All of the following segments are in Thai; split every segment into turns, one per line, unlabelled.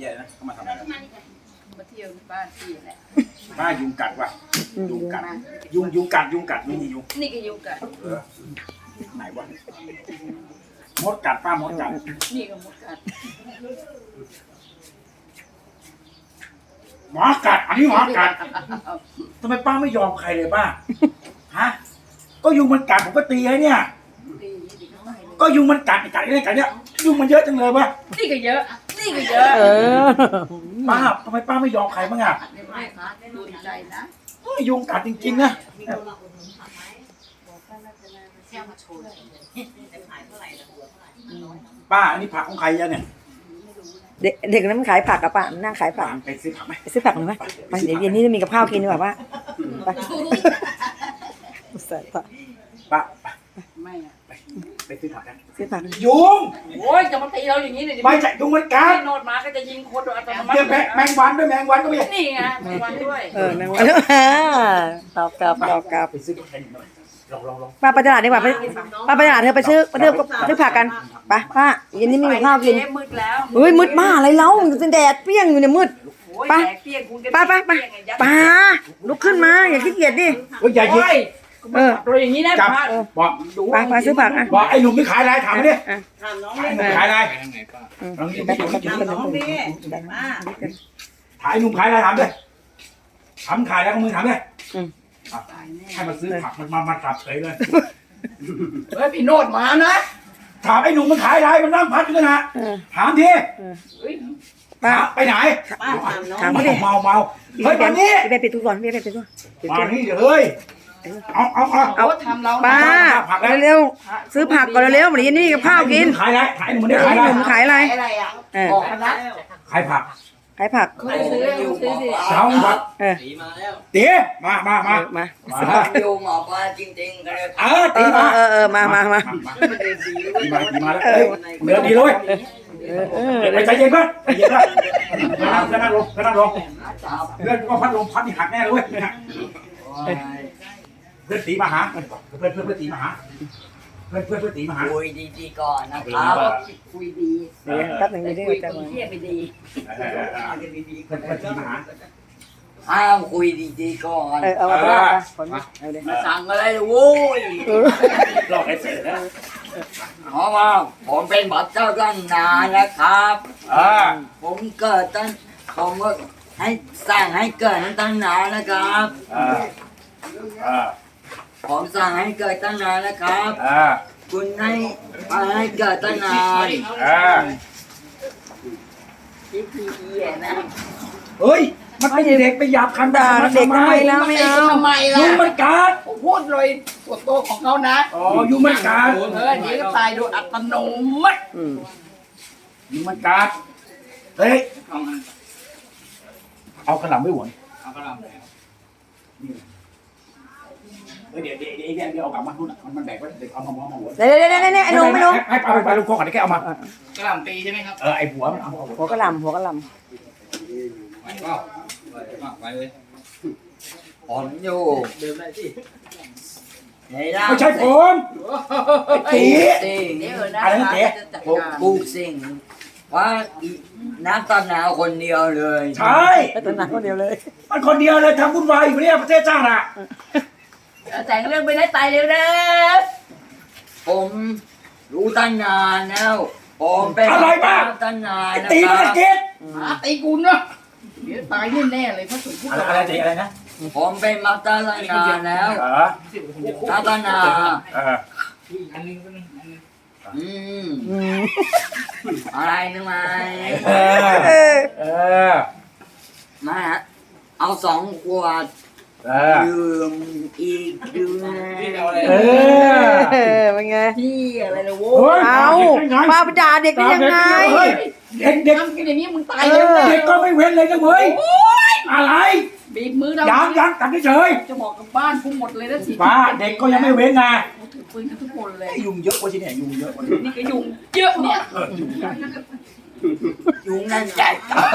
แย่นะเขามาทำอะไร
มาเที่ยวบ้านพี่แหละ
บ้ายุงกัดว่ะยุงกัดไม่มียุง
นี่ก็ยุงกัด
ไหนวะมดกัดป้ามดกัด
นี่ก็มดกัด
หมอกัดอันนี้หมอกัดทำไมป้าไม่ยอมใครเลยป้าฮะก็ยุงมันกัดผมก็ตีให้เนี่ยก็ยุงมันกัดกัดอะไรกัดเนี่ยยุงมันเยอะจังเลยวะ
นี่ก็เยอะนี่ก็เยอะ
ป้าทำไมป้าไม่ยอมใครบ้างอ่ะ
ไม่ค่ะดูใจนะ
ยุงกัดจริงๆนะป้าอันนี้ผักของใครอะเนี่ย
เด็กนั้นมันขายผักอะป้านั่งขายผัก
ไปซื้อผักไหม
ไปซื้อผักหน่อยไหมไปเดี๋ยวเย็นนี้จะมีกับข้าวกินดีกว่าป้าไป
ป้า
ไม่อะ
ไปซื้อผักกัน
ซื้อผัก
ยุง
โอ้ยจะมาตีเราอย่างนี้เลย
ไม่ใช่ยุงมันกัด
โนดมาก็จะยิงคนโดยอัตโนมัติ
แมงวันด้วยแมงวันก็ไม่ใช่
นี่ไงแมงวันด้วย
แมงวันตอบกลับ
ไปซื้อผักลอง
ป้าไปตลาดดีกว่าป้าไปตลาดเธอไปซื้อผักกันไปป้าเย็นนี้มีข้าวกิน
มืดแล้ว
เฮ้ยมืดมากอะไรเล่าแดดเปรี้ยงอยู่เนี่ยมืดป้าลุกขึ้นมาอย่าขี้เกียจดิ
อย่ายิง
ตัวอย่างนี้นะ
บอก
ป้าซื้อผักอ่ะ
บอกไอ้หนุ่มไม่ขายอะไรถามดิ
ถามน้อง
ขายอะไร
น้องดิป้า
ถ่ายหนุ่มขายอะไรถามดิถามขายแล้วก็มือถามดิให้มาซื้อผักมันมาจับเฉยเลย
เฮ้ยพี่โนดมานะ
ถามไอ้หนุ่มมันขายอะไรมันนั่งพักกันนะถามทีป้าไปไหน
ถามเขาดิ
เมาเฮ้ยวันนี้
ไปปิดตู้ก่อนไปปิดตู้
มานี่เฮ้ยเอา
ทำเรา
ป้าเร็วซื้อผักก่อนเร็ววันนี้นี่กับข้าวกิน
ขายอะไรขายหนุ่มได้ขายอะไร
หนุ่มขายอะไร
บอกนะ
ขายผัก
ซื้อดิ
สาวผัก
ตีมาแล้ว
ตีมา
โยมออกมาจริงๆกันเลย
ตีมา
มา
แล้วเดินดีเลยไปใจเย็นเพื่อนใจเย็นนะก็นั่งลงเพื่อนก็พัดลมพัดที่หักแน่เลยเพื่อนตีมาหาเพื่อนตีมาหาเพื่อนตีมาหา
คุยดีๆก่อนนะครับ
คุยดี
แป๊บนึงดีๆ
จะมาเที่ยไม่ดี
เพื่อนตีมาหา
ห้ามคุยดีๆก่อน
เอามา
สั่งอะไรโว้ย
หลอกไอ้เสร็จแล้ว
เพราะว่าผมเป็นบัตรเจ้าตั้งนานนะครับผมเกิดตั้งผมก็ให้สั่งให้เกิดตั้งนานนะครับผมสั่งให้เกิดตั้งนานนะครับคุณให้เกิดตั้งนาน
เฮ้ยมันเป็นเด็กไปหยาบคันด่า
เด็กทำไมแล้วไม่เอา
ทำไมล่ะ
ยุงมันกัด
พูดเลยตัวโตของเขานะ
ยุงมันกัด
นี่ก็ตายโดยอัตโนมัติ
ยุงมันกัดเฮ้ยเอากระหล่ำไม่หวน
เอากระหล่ำ
เดี๋ยวเอากลับมาทุนมันแบกไว้เด็กเอามาหัว
เดี๋ยวไอ้หนุ่ม
ให้ไปลูกพ่อก่อนแค่เอามาก
ระหล่ำตีใช่ไหมครับ
ไอ้หัวมันเอา
หัวกระหล่ำ
ไปเลยผมอยู่
ไม่ใช่ผมตี
อะไรนะเจ๊ผมปลูกสิ่งว่านักต้นหนาวคนเดียวเลย
ใช่
ต้นหนาวคนเดียวเลย
มันคนเดียวเลยทำวุ่นวายอยู่เนี่ยประเทศชาติอะ
แต่งเรื่องไปได้ตายเร็วนะ
ผมรู้ตั้งนานแล้วผมเป็น
อะไรบ้าง
ตั้งนาน
ตีมันเก็ต
ตีกูเนาะเดี๋ยวตายแน่เลยพระสงฆ์พูด
อะไรตีอะไรนะ
ผมเป็นมาตั้งนานแล้วตั้งนานอะไรนึกไหมมาเอา2 ขวดดื่มอีกดื่ม
เป็นไง
พี่อะไรนะโว้
เอาป้าไปด่าเด็กได้ยังไง
เด็ก
ทำกินอย่างนี้มึงตายเลย
เด็กก็ไม่เว้นเลยนะเว้ยอะไร
บีบมือเรา
ยังตัดเฉย
จะบอกกับบ้านกูหมดเลยนะสิ
ป้าเด็กก็ยังไม่เว้นนะ
ถือปืนทุกคนเลย
ยุงเยอะกว่าที่เนี่ยยุงเยอะ
นี่ก็ยุงเยอะเนี่ย
ยุงนั่นใหญ่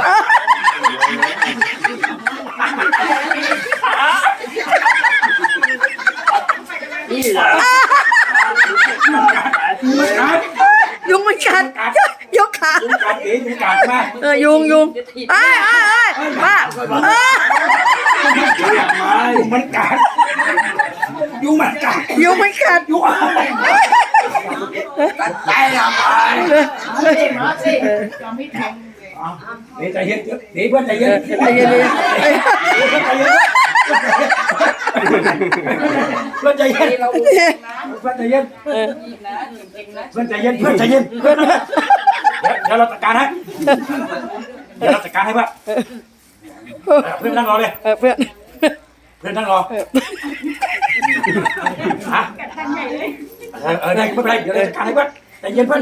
นี่เหรอ
ยุงมันกัดยกขา
ตียุงกัดใช่ไหม
ยุงเอ้ยป้า
ยุงมันกัดยุงมันกัด
ยุงมันกัด
ยุงอะไร
กัดใจทำไม
มาสิจะไม่แทงเลย
เดี๋ยวใจเย็นเดี๋ยวเพื่อนใจเย็น
ใจเย็น
เพื่อนใจเย็น
เรา
เพื่อนใจเย็น
อีกนะเองนะ
เพื่อนใจเย็นเพื่อนใจเย็นเดี๋ยวเราจัดการให้เดี๋ยวเราจัดการให้ป่ะเพื่อนนั่งรอเลย
เพื่อน
เพื่อนนั่งรอฮะได้ไม่เป็นไรเดี๋ยวเราจัดการให้เพื่อนใจเย็นเพื่อน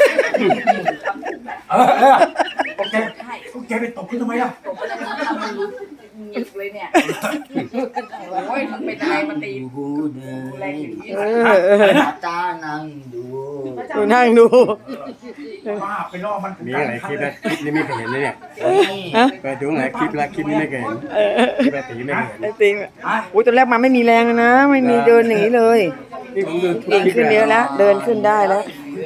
โอเคไปตบขึ้นทำไมล่ะ
หยิบเลยเนี่ยโอ้ยมันเป็นอะไรมาตีแรงอย่างนี้
ตานั่งดู
นั่งดู
บ้าไปล่อมัน
มีหลายคลิปแล้วคลิปนี้ไม่เคยเห็นเลยเนี่ย
ฮะ
เปิดดูหลายคลิปแล้วคลิปนี้ไม่เคยเห็นคลิปแบบตีไม่เคยเห็น
ไอ้ติงอุ้ยตอนแรกมาไม่มีแรงนะไม่มีเดินหนีเลย
นี่ผมดูทุก
เก่ง
คลิป
ขึ้นเยอะแล้วเดินขึ้นได้แล้ว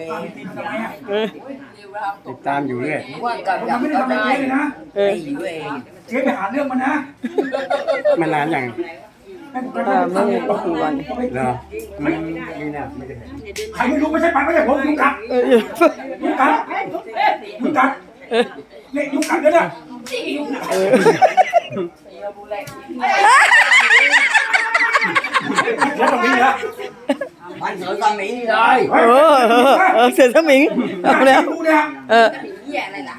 ติดตามอยู่เรื่อย
ว่ากับ
มัน
ดัก
ไม่ได้
ก็
ทำอะไร
ได้
เจ๊เลยนะ
ตีอยู่เอง
เจ๊ไปหาเรื่องมันนะ
มานานอย่าง
ไม่กี่วัน
เหรอไม่น่าไม่เคยเห็น
ใครไม่รู้ไม่ใช่ปันไม่ใช่ผมยุงกัดยุงกัดยุงกัดเนี่ยยุงกัดเนี่ย
เราดูแล
เดี๋ยวตรงนี้นะ
มันเสือตอนนี้เลย
เสือสมิงเอาแล้ว
ดูเนี่ย
มีเหี้ยอะไรล่ะ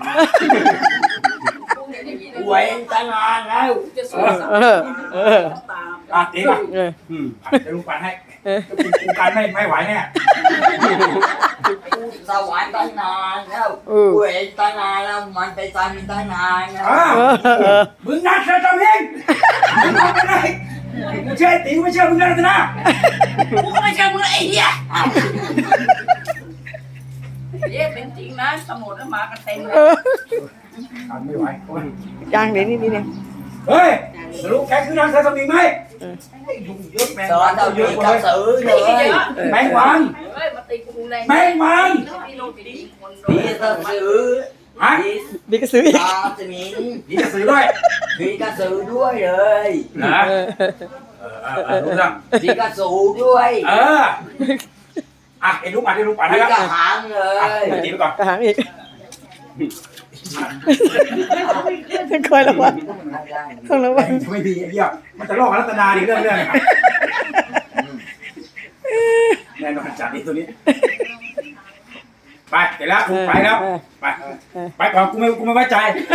หวยตั้งนานแล้ว
จะสวยสักตาม
ตีป่ะเดี๋ยวลุงปันให้กูการไม่ไหวแน่
สวรรค์ตั้งนานแล้วหวยตั้งนานแล้วมันไปตายมีตั้งนานแล้ว
มึงนัดเธอทำเองมึงทำอะไรกูเชื่อตีไม่เชื่อมึงนะนะ
กูก็ไม่เชื่อมึงไอ้เหี้ยเย้เป็นจริงนะตำรวจมากันเต็มเลย
ไม่ไหว
ยังเดี๋ยวนี่เนี่ย
เฮ้ยรู้แกคือนางเธอทำเองไหมยุ่งเยอะแมง
สอนเราอยู่กับสือเลย
แมงวัน
เฮ้ยมาตีกูแรง
แมงวัน
พี่ลูกตีคน
ผีกระสือ
ฮะ
มีกระสืออีก
ตาสมิง
ผีจะซื้อด้วย
ผีกระสือด้วยเลย
นะรู้จัก
ผีกระสือด้วย
ไอ้ลูกปัดให้
ผี
แล้ว
กระหางเลย
ตีไปก่อน
กระหังอีกคอยระวังต้องระวัง
ไม่ดีไอ้เหี้ยมันจะลอกรัตนาดิเรื่องแน่นอนจัดไอ้ตัวนี้ไปเสร็จแล้วไปแล้วไปก่อนกูไม่ไว้ใจ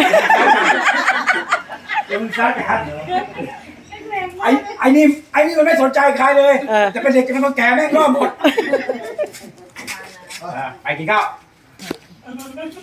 เดี๋ยวมึงซัดกันไอ้นี่มันไม่สนใจใครเลยจะเป็นเด็กจะเป็นคนแก่แม่งรอบหมดไปกินข้าว